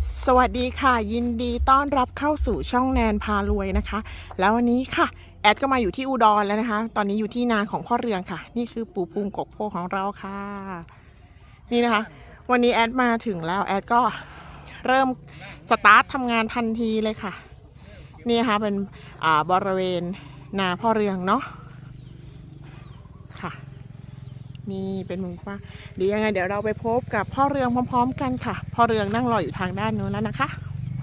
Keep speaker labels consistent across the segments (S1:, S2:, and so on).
S1: สวัสดีค่ะยินดีต้อนรับเข้าสู่ช่องแนนพารวยนะคะแล้ววันนี้ค่ะแอดก็มาอยู่ที่อุดรแล้วนะคะตอนนี้อยู่ที่นาของพ่อเรืองค่ะนี่คือปู่ภูมิกกโพของเราค่ะนี่นะคะวันนี้แอดมาถึงแล้วแอดก็เริ่มสตาร์ททำงานทันทีเลยค่ะนี่นะคะเป็นบริเวณนาพ่อเรืองเนาะค่ะนี่เป็นมุมกว้างเดี๋ยวยังไงเดี๋ยวเราไปพบกับพ่อเรืองพร้อมๆกันค่ะพ่อเรืองนั่งรออยู่ทางด้านนู้นแล้วนะคะ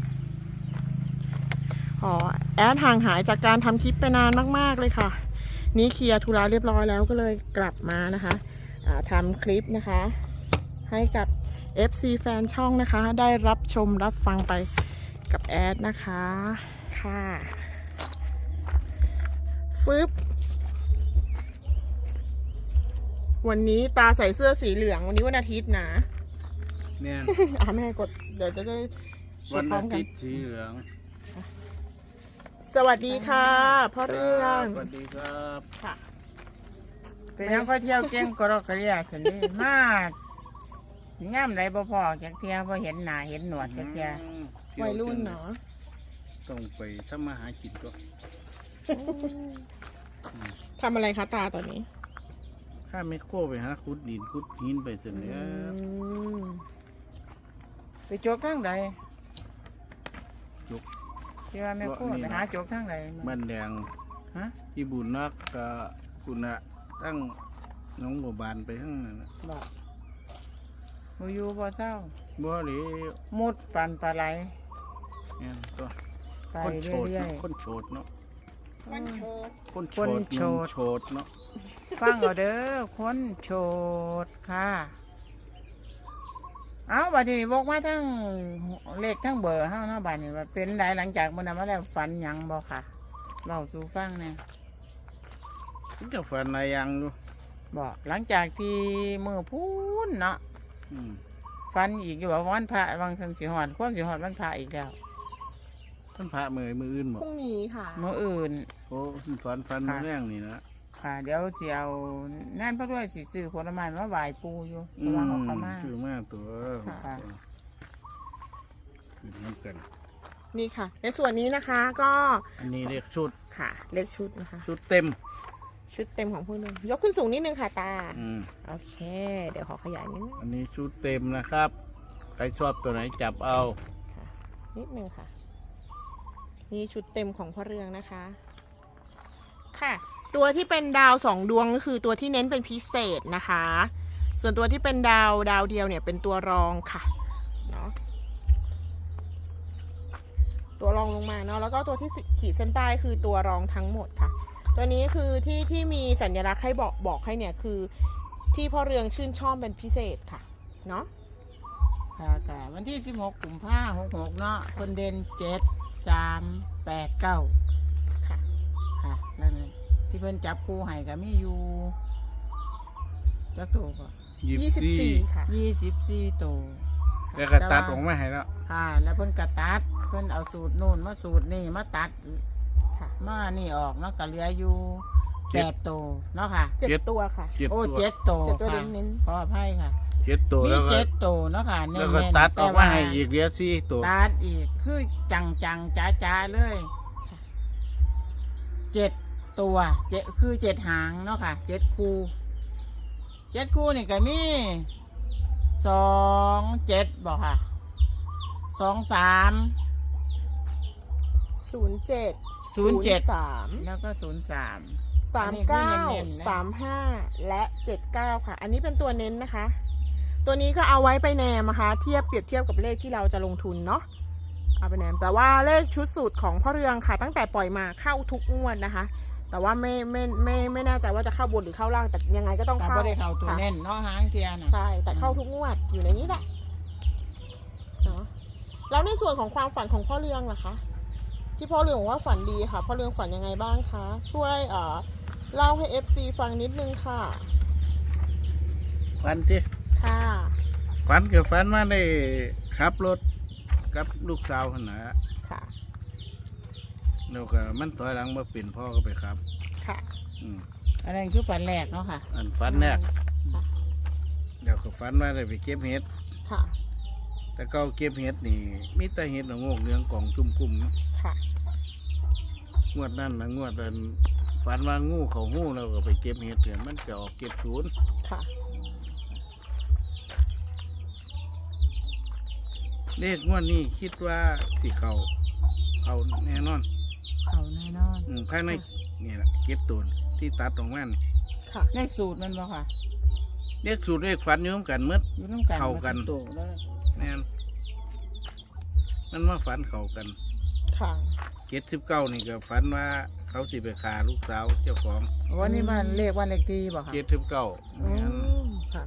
S1: แอดห่างหายจากการทำคลิปไปนานมากๆเลยค่ะนี่เคลียร์ธุระเรียบร้อยแล้วก็เลยกลับมานะคะทำคลิปนะคะให้กับ FC แฟนช่องนะคะได้รับชมรับฟังไปกับแอดนะคะค่ะฟึบวันนี้ตาใส่เสื้อสีเหลืองวันนี้วันอาทิตย์นะ
S2: เนี่ย
S1: แม่กดเดี๋ยวจะได้
S2: วันอาทิตย์สีเหลือง
S1: สวัสดีค่ะพ่อเรือง
S2: สวัสดีครับ
S1: ค่ะ
S3: เป็นยังก็เที่ยวเก่งกรอกกระเรียสันนี่มาย่ำไรบ่พอจากเที่ยวบ่เห็นหน้าเห็นหนวดจากเที่ยว
S1: วัยรุ่นเนาะ
S2: ต้องไปทำมาหากินก็
S1: ทำอะไรคะตาตอนนี้
S2: ถ้าไม่โค้ไปหาขุดดินขุดหินไปเสร็จแล้ว
S3: ไปโจกทางใด
S2: จุก
S3: ที่ว่าไม่โคไปหาโจกทางใด
S2: บ้านแดง
S3: ฮะ
S2: อีบุญนักกับคุณะตั้งน้องบัวบานไปทั้งนั้น
S3: บอกบ่อยู่บ่เศร้า
S2: บ่หรือ
S3: มุดปันปลาไหล
S2: เนี่ยก็
S3: ไป
S2: คนโฉด
S3: เรื่อย
S2: คนโฉดเนาะ
S1: วันโชด
S2: คนโฉ
S3: คน
S2: ด
S3: โฉด
S2: โฉดเนาะ
S3: ๆฟังเอาเด้อคนโฉดค่ะเอาบัดนี้บอกมาทั้งเลขทั้งเบอร์เฮาเนาะบัดนี้ว่าเป็นไดหลังจากมื้อนั้นมาแล้วฝันหยังบ่ค่ะเล่าสู่ฟังแหน่
S2: จะฝันอะไรยังดู
S3: บอกหลังจากที่มือพูนเนาะ
S2: อืม
S3: ฟันอีกอยู่ว่าวันพระวังสันสิหอดความสิหอดวันพระอีกแล้ว
S2: ท่านพระมืออื่นบอ
S1: พ
S2: ก
S1: รุ่งนี้ค่ะ
S3: เมื่ออื่น
S2: โอ้ฝันมือแรงนี่นะ
S3: ค่ะเดี๋ยวสิเอานั่นพระด้วยสิซื้อผลไม้มาไหว้ปูอยู่ระหว่างออกมา
S2: ชื่อมากตัว
S3: ค่ะ
S2: คือน้ำกัน
S1: นี่ค่ะ ในส่วนนี้นะคะก็
S2: อันนี้เรียกชุด
S1: ค่ะเลขชุดนะคะ
S2: ชุดเต็ม
S1: ชุดเต็มของพ่อเรืองยกขึ้นสูงนิดนึงค่ะตา
S2: อืม
S1: โอเค เดี๋ยวขอขยายนิดนึง
S2: อันนี้ชุดเต็มนะครับ ใครชอบตัวไหนจับเอา
S1: ค่ะนิดนึงค่ะนี่ชุดเต็มของพ่อเรืองนะคะค่ะตัวที่เป็นดาว2ดวงก็คือตัวที่เน้นเป็นพิเศษนะคะ ส่วนตัวที่เป็นดาวเดียวเนี่ยเป็นตัวรองค่ะเนาะตัวรองลงมาเนาะแล้วก็ตัวที่ขีดเส้นใต้คือตัวรองทั้งหมดค่ะตัวนี้คือที่มีสัญลักษณ์ให้บอกให้เนี่ยคือที่พ่อเรืองชื่นชอบเป็นพิเศษค่ะเนาะ
S3: ค่ะค่ะวันที่16 กุมภาพันธ์66เนาะคนเด่น7 3 8 9
S1: ค่ะ
S3: ค่ะนั่นที่เพิ่นจับคู่ให้ก็มีอยู่จักตัวก็
S1: 24ค่ะ
S3: 24ตัว
S2: แล้วก็ตัดออกมาให้แล้ว
S3: ค่ะแล้วเพิ่นกระตัดเพิ่นเอาสูตรนู่นมาสูตรนี่มาตัด
S1: ค่ะ
S3: มานี่ออกเนาะก็เหลืออยู่8ตัวเนาะค่ะ
S1: 7 ตัวค่ะ
S3: โอ้
S2: ตัว
S3: 7ตัว
S1: 7 ตัว
S3: ค่ะ
S1: เน้น
S3: ขออภัยค่ะ
S2: ตัว
S3: มี
S2: แล้วก็
S3: 7ตัวเนาะค่ะเน้
S2: แล้ว
S3: น
S2: ก็
S3: ๆ
S2: ตัดอ
S3: แต่
S2: อกมา
S3: ว่า
S2: ให้อีกเหลือ4ตัว
S3: ตัดอีกคือจังจ้าๆเลย7ตัวคือ7หางเนาะค่ะ7คู่นี่ก็มี27บอกค่ะ23
S1: 07
S3: 07
S1: 03
S3: แล้วก็03
S1: 39 35 และ 79 ค่ะ อันนี้เป็นตัวเน้นนะคะ ตัวนี้ก็เอาไว้ไปแนมนะคะเปรียบเทียบกับเลขที่เราจะลงทุนเนาะเอาไปแนมแต่ว่าเลขชุดสูตรของพ่อเรืองค่ะ ตั้งแต่ปล่อยมาเข้าทุกงวดนะคะ แต่ว่าไม่แน่ใจว่าจะเข้าบนหรือเข้าล่างแต่ยังไงก็ต้อง
S3: แต่
S1: เข้า
S3: ไม่ได้เข้าตัว
S1: ค่ะ
S3: เน้นเนาะหางเทียน่ะ
S1: ใช่แต่เข้าทุกงวดอยู่ในนี้แหละเนาะแล้วในส่วนของความฝันของพ่อเรืองล่ะคะที่พ่อเรืองบอกว่าฝันดีค่ะพ่อเรืองฝันยังไงบ้างคะช่วยเล่าให้ FC ฟังนิดนึงค่ะ
S2: ฝันที่
S1: ค่ะ
S2: ฝันกับฝันมาได้ขับรถกับลูกสาวขนาด
S1: ค่ะ
S2: แล้วก็มันถอยหลังมาเปลี่ยนพ่อก็ไปครับ
S1: ค่ะ
S2: อืม
S3: อันนั้นคือฝันแรกเนาะค่ะ
S2: อันฝันแรก
S1: ค่ะ
S2: เดี๋ยวก็ฝันว่าได้ไปเก็บเห็ด
S1: ค่ะ
S2: แตแต่เก็เก็บเห็ดนี่มีแต่เห็ดละโงกเหลืองกล่องจุ่มกุ่มเนาะ
S1: ค่ะ
S2: งวดนั่นนะงวดนั้นฝันว่างูเขาหู้เราก็ไปเก็บเห็ดเนี่ยมันจะออกเก็บศูนย์
S1: ค่ะ
S2: เลขงวดนี้คิดว่าสิเขาแน่นอน
S3: เขาแน่นอน
S2: ภายในนี่แหละเก็บตูนที่ตัดตรงนั้น
S1: ค่ะ
S3: ได้สูตรมันบ่ค่ะ
S2: เลขสูตรเลขฝันอยุ่งกันหมืด
S3: อยู่น้ำกัน
S2: เข้ากัน
S3: มตัวเลย
S2: แน่นมันมาฝันเขากัน
S1: ค่ะ
S2: 79นี่ก็ฝันว่าเขาสิไปฆ่าลูกสาวเจ้าของ
S3: วันนี้มันเลขวันเลขที่บ่ค่ะ
S2: 79
S1: อื
S2: แม่น
S1: มค่ะ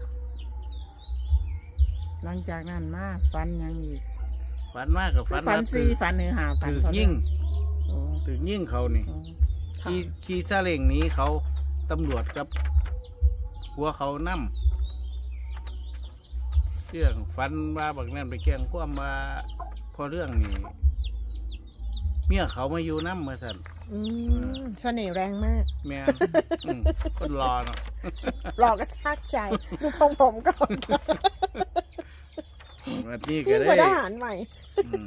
S3: หลังจากนั้นมาฝันหยังอีก
S2: ฝันมากกับฝัน
S3: ฝัน
S2: ว่า
S3: สี่ฝันหนึ่งหาฝัน
S2: ถือ
S3: เขา
S2: ยิ่ง
S3: โอ้
S2: ถือยิ่งเขานี่
S3: โอ้
S1: ค่ะ
S2: ขี่ซาเล้งหนี้เขาตำรวจกับหัวเขานั่มเรื่องฟันว่าบางนั่นไปแกล้งความว่าพอเรื่องนี้เมียเขามาอยู่น้ำมาสั่น
S1: อืมเสน่ห์แรงมาก
S2: แม่นคนรอเนาะ
S1: หลอกกระชากใจดูทรงผมก่อน
S2: วันนี้ก็
S1: ยิ่งกว่าท
S2: ได้
S1: หารใหม่
S2: อืม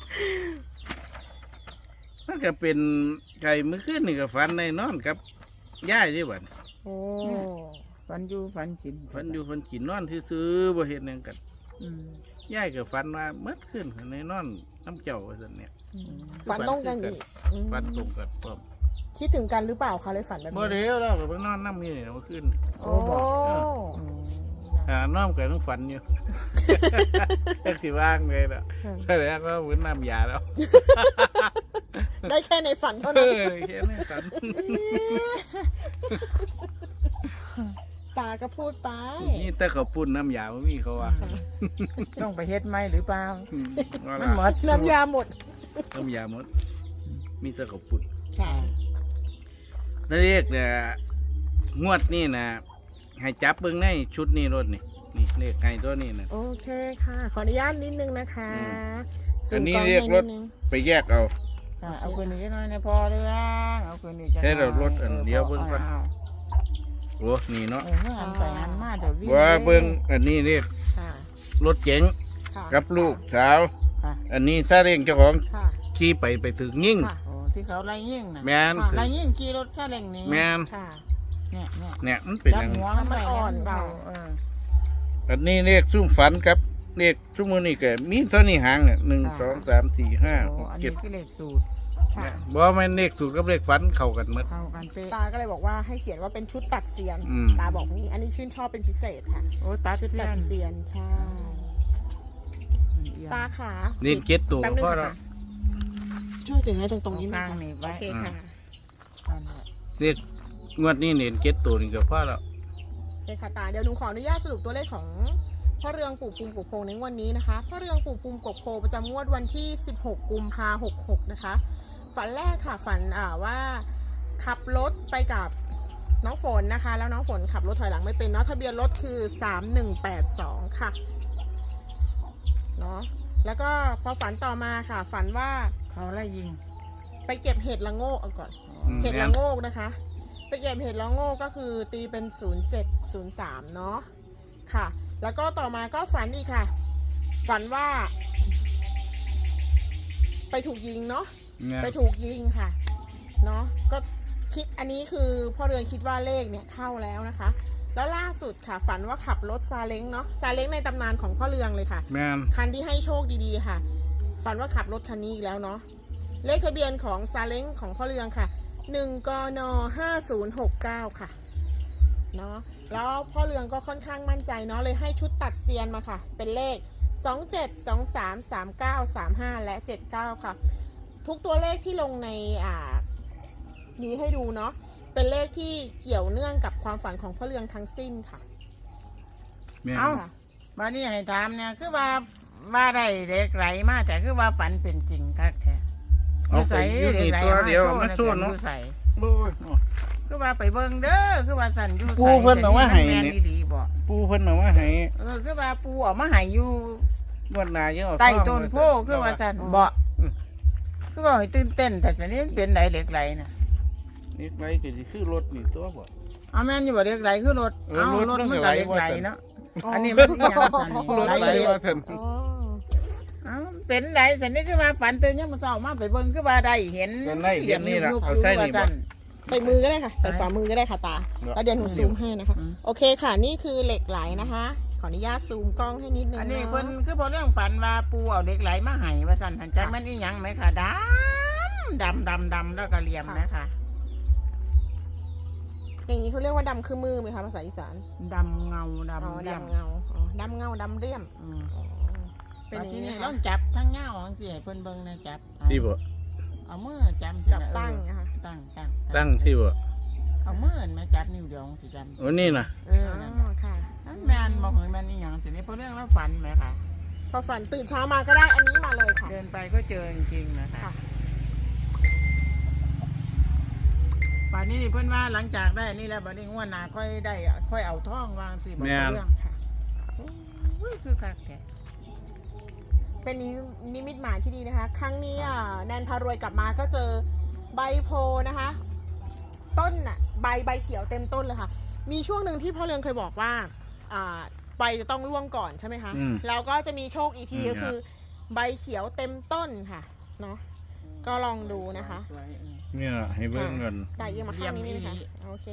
S2: มันก็เป็นไก่มือขึ้นนี่ก็ฟันในนอนครับย่ายที่บ้าน
S1: โอ้
S3: ฝันอยู่ฝันกิน
S2: ฟันอยู่ฟันกินนอนซื้อๆบ่เห็นหยังกัน
S3: อืม
S2: ย่ายก็ฟันว่าเมื่อขึ้นในนอนน้ำเจ้าว่าซั่นเนี่ย
S1: ฝันต้องกันอีกอืม
S2: ฟันตรงกันพร้อม
S1: คิดถึงกันหรือเปล่าคะเลยฝันแบบ
S2: บ่
S1: นี้
S2: เดียวแล้วก็ไปนอนน้ำนี่เนี่ยเมื่อคืน
S1: โอ้
S2: น้อมกันต้องฝันอยู่ แค่สิว่างเลยล่ะแสดงว่าเหมือนน้ำยาแล้ว
S1: ได้แค่ในฝันเท่า
S2: เอ
S1: นั้น
S2: อแค่นี้ฝัน
S1: ตาก็พูดไป
S2: นี่แต่เขาปุ่นน้ำยาไม่มีเขาว่า
S3: ต้องไปเฮ็ดไหมหรือเปล่า
S2: ว่า
S3: มันหม
S2: ล่ะ
S3: ด
S1: น้ำยาหมด
S2: น้ำยาหมดมีแต่เขาปุ่น
S1: ค่ะ
S2: แล้วเรียกเนี่ยงวดนี่นะให้จับเบิ้งในชุดนี้รถนี่นี่เลขไงตัวนี้นะ
S1: โอเคค่ะ ขออนุญาตนิดนึงนะคะ
S2: อันนี้
S1: ซูมล้ง
S2: เรียกรถ
S1: ให้นิดนึง
S2: ไปแยกเอา
S3: ค่ะเอาคืนนี้หน่อยในพอเรื่องเอาคืนนี้จะ
S2: ใช่เรารถอันเดียวเบิ่งก่อน
S3: อา
S2: โอ้นี่เนาะ
S3: เออเมื่อหันไปหันมาเดี๋ยววิ่ง
S2: ว่าเบิ้งอันนี้เรียก
S1: ค่ะ
S2: รถเก๋ง
S1: ค่ะ
S2: กับลูกสาว
S3: ค่ะ
S2: อันนี้ซาเร่งเจ้าของ
S1: ค่ะ
S2: ขี่ไปถึงยิ่ง
S1: ค่ะ
S3: โอ้ที่เขาไล่ยิ่งน่ะ
S2: แมน
S1: ค่ะ
S3: ไล่ยิ่งขี่รถซาเล้งนี้
S2: แมน
S1: ค่ะ
S3: เนี่ยเนี่ย
S2: เนี่ยมันเป็น
S3: จั
S2: อบ ย่าง
S3: หัวมันไป
S1: มันอ่อน
S3: เบา
S1: ค่ะ
S3: เออ
S2: อันนี้เรียกซุ่มฝันครับเรียกซุ่มมือนี่แกมีเท่านี้หางเนี่ย1 2 3 4 5
S3: โอ้
S2: 6
S3: อัน
S2: 7
S3: นี้คือเลขสูตร
S1: ค่ะ
S2: บ่แม่นเลขสูตรกับเลขฝันเข้ากันหมด
S3: เข้ากันเป๊ะ
S1: ตาก็เลยบอกว่าให้เขียนว่าเป็นชุดตัดเสียน
S2: อืม
S1: ตาบอกนี้ อันนี้ชื่นชอบเป็นพิเศษค่ะ
S3: โอ้ตัด
S1: ชุด
S3: เสี้
S1: ตั
S3: ย
S1: ด
S3: น
S1: เสียนใช่ ตาขา
S2: นี่เก็ตตัว
S1: แป๊บนึง
S2: พ่อ
S1: ค่ะ
S2: เรา
S1: ช่วยถึงให้ตรงนี้
S3: ข้าง
S1: ค่ะ
S3: นี่
S1: โอ
S3: ไว้
S1: เคค่ะ
S3: นั่นแหละ
S2: เรียกงวดนี้เน้นเก็ตตัวนี่ก็พ่อเรา
S1: โอเคค่ะตาเดี๋ยวหนูขออนุญาตสรุปตัวเลขของพ่อเรืองปู่ภูมิกบโพในงวันนี้นะคะพ่อเรืองปู่ภูมิกบโพประจำงวดวันที่ 16 กุมภาพันธ์ 66 นะคะ ฝันแรกค่ะฝันว่าขับรถไปกับน้องฝนนะคะ แล้วน้องฝนขับรถถอยหลังไม่เป็นเนาะทะเบียนรถคือ 3182 ค่ะเนาะแล้วก็พอฝันต่อมาค่ะ ฝันว่า
S3: เขาไล่ยิง
S1: ไปเก็บเห็ดละโงกเอาก่อน เห็ดละโงกนะคะ ไปเก็บเห็ดละโงกก็คือตีเป็น 0703 เนาะค่ะ แล้วก็ต่อมาก็ฝันอีกค่ะ ฝันว่า ไปถูกยิงเนาะ
S2: เนี่ย
S1: ไปถูกยิงค่ะ เนาะก็คิดอันนี้คือพ่อเรือนคิดว่าเลขเนี่ยเข้าแล้วนะคะ แล้วล่าสุดค่ะ ฝันว่าขับรถซาเล้งเนาะซาเล้งในตำนานของพ่อเรืองเลยค่ะ
S2: แม่น
S1: คันที่ให้โชคดีๆค่ะ ฝันว่าขับรถคันนี้อีกแล้วเนาะ เลขทะเบียนของซาเล้งของพ่อเรืองค่ะ 1 กน 5069 ค่ะ เนาะ แล้วพ่อเรืองก็ค่อนข้างมั่นใจเนาะ เลยให้ชุดตัดเซียนมาค่ะ เป็นเลข 27 23 39 35 และ 79 ค่ะ ทุกตัวเลขที่ลงในนี้ให้ดูเนาะ เป็นเลขที่เกี่ยวเนื่องกับความฝันของพ่อเรืองทั้งสิ้นค่ะ
S2: แม่น
S3: เอ้า
S1: ค่ะ
S3: มานี่ให้ถามเนี่ยคือว่าได้เด็กไหลมาแต่คือว่าฝันเป็นจริงคักแท้
S2: เอาไปอยู่นี่ตัวเดียวมาสู้
S3: โชว์
S2: เนาะ
S3: ใส่
S2: โอ้ย
S3: คือว่าไปเบิ่งเด้อคือว่าสั่นอยู่ใส่
S2: ปูเพิ่นเอามาให้
S3: แม่
S2: เนี่ย
S3: ดีๆบ่
S2: ปูเพิ่นเอามาให้
S3: คือว่าปูเออกมาให้อยู่
S2: งวดหน้ายังเอา
S3: ใต้
S2: ทอง
S3: ต้นโพ
S2: มา
S3: คือว่าสั่น
S1: อ๋อ
S3: บ่คือว่าให้ตื่นเต้นแต่สันนี้มันเป็นไหลเหล็กไหลน่ะ
S2: นี่ไว้ก็สิคือรถนี่ตัวบ่
S3: เอาแม่นอยู่บ่เหล็กไหลคือรถ
S2: เออ
S3: เอา
S2: รถ
S3: รถ
S2: มัน
S3: มัน
S2: ไหล
S3: ก็เหล็กไหล
S2: ว่าซั่น
S3: เนาะอันนี้มันอีหยังสั่นนี่
S2: รถ
S3: ไหล
S2: ไหล
S3: เหล็ก
S2: ว่าซั่น
S1: อ๋อ
S3: เอ้าเป็นไรสันนี่คือว่าฝันตื่นยังมาเศร้ามาไปเบิ่งคือว่าได้เห็น
S2: เป็นได้เห็นนี่ล่ะ
S3: ยุบๆ
S2: เอา
S3: อยู่
S2: ใส่
S3: ว่า
S2: นี่บ่
S3: ซั่น
S1: ใส่มือก็ได้ค่ะใส่ฝ่ามือก็ได้ค่ะตา
S2: เนอะ
S1: แล้วเดี๋ยวหนูซูมให้นะคะ
S3: อืม
S1: โอเคค่ะนี่คือเหล็กไหลนะคะ ขออนุญาตซูมกล้องให้นิดนึง
S3: อันนี้
S1: เนาะ
S3: เพิ่นคือพอเรื่องฝันว่าปูเอาเด็กไหลมาให้ว่าสั่นหันจักมันอีหยังไหมค่ะดำแล้วก็เหลี่ยมนะคะ
S1: อย่างนี้เขาเรียกว่าดำคือมือไหมคะภาษาอีสาน
S3: ดำเงา
S1: อ๋อ
S3: ดำเลี่ยม
S1: ดำเงาอ๋อดำเงาดำเรี่ยม
S3: อืม
S1: อ๋อเป็นอย่าง
S3: ที่
S1: นี้
S3: นี่
S1: นะ
S3: ต้
S1: คะ
S3: องจับทั้งเงาจังซี่ให้เพิ่นเบิ่งนะจับ
S2: ที่บ่
S3: เอามือจับ
S1: จับตั้งนะคะ
S3: ตั้ง
S2: ตั้งที่บ่
S3: เอามือมาจับนิ้วเดียวสิจับ
S2: โอ้นี่น่ะ
S3: เออ
S1: อ๋
S3: นั่น
S1: อค่ะ
S3: นั่นแม่นบ่เห็นแม่นอีหยังสินี่พอเรื่องแล้วฝันไหมค่ะ
S1: พอฝันตื่นเช้ามาก็ได้อันนี้มาเลยค่ะ
S3: เดินไปก็เจอจริงๆนะคะ
S1: ค่ะ
S3: ป่านนี้เพิ่นว่าหลังจากได้นี่แล้วบัดนี้งวดหน้าค่อยได้ค่อยเอาท่องวางสิบอก
S2: แม่น
S3: เรื่อง
S1: ค่ะ
S3: อุ้ยคือคักแท้
S1: เป็นนิมิตหมายที่ดีนะคะ ครั้งนี้แนนพารวยกลับมาก็เจอใบโพนะคะ ต้นน่ะใบเขียวเต็มต้นเลยค่ะ มีช่วงหนึ่งที่พ่อเรืองเคยบอกว่าใบจะต้องร่วงก่อนใช่ไหมคะ
S2: อืม
S1: แล้วก็จะมีโชคอีกทีก็คือ ใบเขียวเต็มต้นค่ะเนาะ ก็ลองดูนะคะ
S3: สวยๆ
S2: นี่น่ะให้เบิ่งก่อน
S1: จ่ายเยี่ยมมาข้างนี้นี่นะคะ
S3: เลี่ยม
S1: โอเค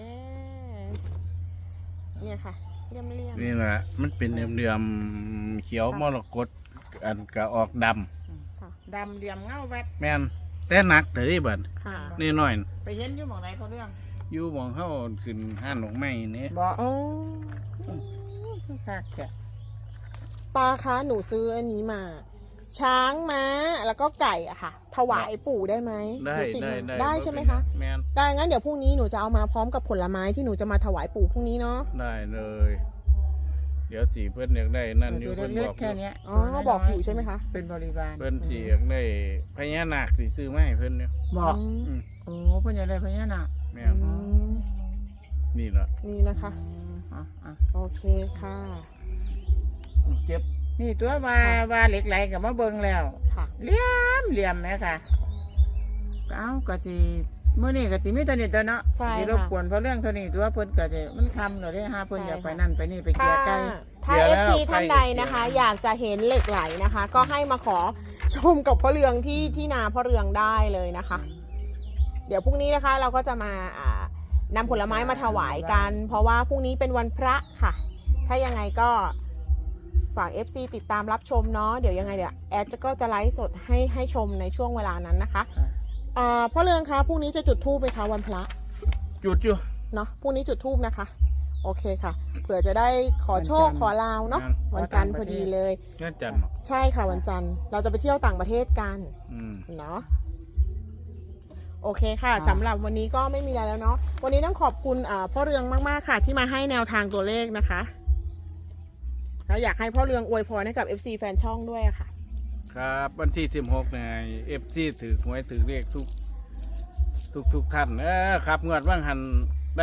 S1: เนี่ยค่ะเลี่ยม
S2: นี่แหละมันเป็นเหลื่อมๆเขียวมรกตอันก็ออกดำ
S1: ค่ะ
S3: ดำเหลี่ยมเงาแวบ
S2: แม่นแต่หนักเด้บัด
S1: ค่ะ
S2: นี่น้อย
S3: ไปเห็นอยู่หมองไหนเขาเรื่อง
S2: อยู่หมองเฮาขึ้นห้านดอกไม้นี่
S3: บ่
S1: โอ้
S3: คือคักแท้
S1: ตาคะหนูซื้ออันนี้มา ช้างม้าแล้วก็ไก่อะค่ะ ถวายปู่ได้ไหม
S2: ได้
S1: หนูติมา
S2: ได้
S1: ได้ใช่ไหมคะ
S2: แม่น
S1: ได้งั้นเดี๋ยวพรุ่งนี้หนูจะเอามาพร้อมกับผลไม้ที่หนูจะมาถวายปู่พรุ่งนี้เนาะ
S2: ได้เลย เดี๋ยวสิเพิ่นอยากได้นั่นอยู่
S3: ดู
S2: เพิ่น
S3: เล็
S2: บ
S3: ก
S2: อก
S3: ๆแค่เนี้ย
S1: อ๋อบอกอยู่ใช่ไหมคะ
S3: เป็นบริวาร
S2: เพิ่นสิอยากได้พญานาคสิซื้อมาให้เพิ่นอยู่
S3: บอก
S1: อืม
S2: อืม
S3: โอ้เพิ่นอยากได้พญานาค
S2: แม่
S1: อื
S2: น
S1: ม
S2: นี่ล่ะ
S1: นี่นะคะ
S3: อ่ะ
S1: โอเคค่ะ
S2: เจ็บ
S3: นี่ตัวว่าเหล็กไหลกับมาเบิ่งแล้ว
S1: ค่ะ
S3: เหลี่ยมไหมค่ะเอ้าก็สิมื้อนี้ก็สิมีตัวนี้ตัวเนาะ
S1: ใช่
S3: สิ
S1: ค่ะ
S3: รบกวนเพราะเรื่องเท่านี้ตัวเพิ่นก็สิมันคำแล้วเด้ฮะเพิ่น
S1: ใช่
S3: อยากไป
S1: ค่ะ
S3: นั่นไปนี่ไปเกลี่
S1: ถ้าย
S3: ไก่
S1: ถ้า FC ท่านใดนะคะ อยากจะเห็นเหล็กไหลนะคะ ก็ให้มาขอชมกับพ่อเรืองที่นาพ่อเรืองได้เลยนะคะ เดี๋ยวพรุ่งนี้นะคะเราก็จะมานำผลไม้มาถวายกัน เพราะว่าพรุ่งนี้เป็นวันพระค่ะ ถ้ายังไงก็ฝาก FC ติดตามรับชมเนาะเดี๋ยวยังไงเดี๋ยวแอดก็จะไลฟ์สดให้ชมในช่วงเวลานั้นนะคะพ่อเรืองคะพรุ่งนี้จะจุดธูปไหมคะวันพระ
S2: จุดอยู่
S1: เนาะพรุ่งนี้จุดธูปนะคะ โอเคค่ะเผื่อจะได้ขอโชคขอลาวเนาะวันจันทร์พอดีเลย
S2: งานจันทร์เนาะ
S1: ใช่ค่ะวันจันทร์เราจะไปเที่ยวต่างประเทศกัน
S2: อืม
S1: เนาะโอเคค่ะสำหรับวันนี้ก็ไม่มีอะไรแล้วเนาะวันนี้ต้องขอบคุณพ่อเรืองมากๆค่ะ ที่มาให้แนวทางตัวเลขนะคะแล้วอยากให้พ่อเรืองอวยพรให้กับ FC แฟนช่องด้วยอะค่ะ
S2: ครับวันที่16เนี่ย FC ถือหวยถือเลขทุกท่านครับงวดว่างหันได้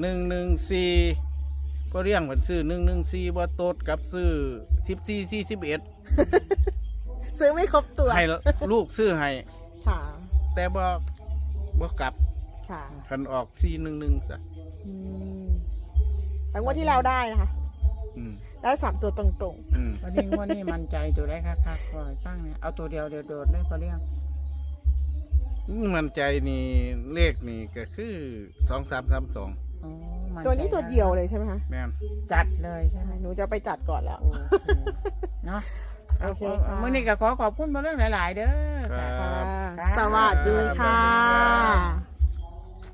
S2: 114ก็เรียงเหมือนซื้อ114บ่โตดกับซื้อ14 41
S1: ซื้อไม่ครบตัว
S2: ให้ลูกซื้อให้
S1: ค่ะ
S2: แต่บ่กลับ
S1: ค่ะ
S2: คันออก411ซะ
S1: อืมแต่งวดที่เราได้นะคะ
S2: อืม
S1: ได้3ตัวตรง
S2: อืม
S3: วันนี้งวดนี้มั่นใจตัวได้คักๆขอให้ฟังเนี่ยเอาตัวเดียวโดดๆเลยเพราะเรื่อง
S2: มันใจนี่เลขนี่ก็คือ2332
S3: อ๋อมั่
S1: ๆตัวนี้ตัวเดียวเลยใช่ไหมคะ
S2: แม่น
S3: จัดเลยใช่ไหม
S1: หนูจะไปจัดก่อนแล้ว
S3: โอเคเนาะ
S1: โอเคค่ะ
S3: มื่อนี้ก็ขอบคุณเพราะเรื่องหลาย ๆ เด้อค่ะ
S2: ครับ
S1: ค่ะสวัสดีค่ะ